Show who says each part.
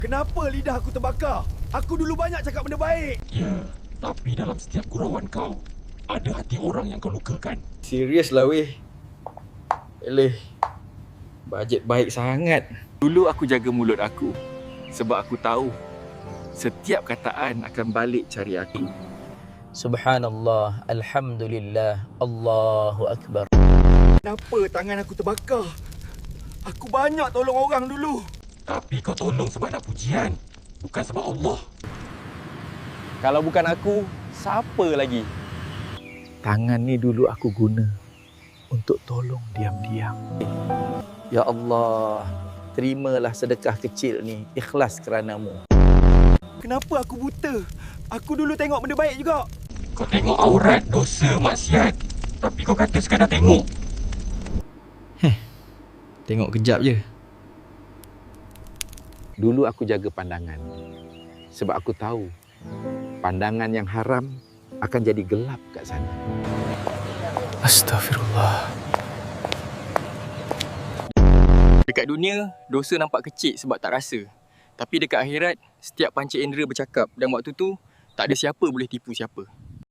Speaker 1: Kenapa lidah aku terbakar? Aku dulu banyak cakap benda baik.
Speaker 2: Ya, tapi dalam setiap gurauan kau, ada hati orang yang kau lukakan.
Speaker 3: Serius lah weh. Eleh, bajet baik sangat. Dulu aku jaga mulut aku sebab aku tahu setiap kataan akan balik cari aku.
Speaker 4: Subhanallah, Alhamdulillah, Allahu Akbar.
Speaker 1: Kenapa tangan aku terbakar? Aku banyak tolong orang dulu.
Speaker 2: Tapi kau tolong sebab nak pujian, bukan sebab Allah.
Speaker 3: Kalau bukan aku, siapa lagi? Tangan ni dulu aku guna untuk tolong diam-diam.
Speaker 4: Ya Allah, terimalah sedekah kecil ni, ikhlas kerana-Mu.
Speaker 1: Kenapa aku buta? Aku dulu tengok benda baik juga.
Speaker 2: Kau tengok aurat, dosa, maksiat, tapi kau kata sekadar tengok.
Speaker 3: Tengok kejap je. Dulu aku jaga pandangan sebab aku tahu pandangan yang haram akan jadi gelap kat sana.
Speaker 4: Astaghfirullah.
Speaker 5: Dekat dunia, dosa nampak kecil sebab tak rasa. Tapi dekat akhirat, setiap panca indera bercakap dan waktu tu, tak ada siapa boleh tipu siapa.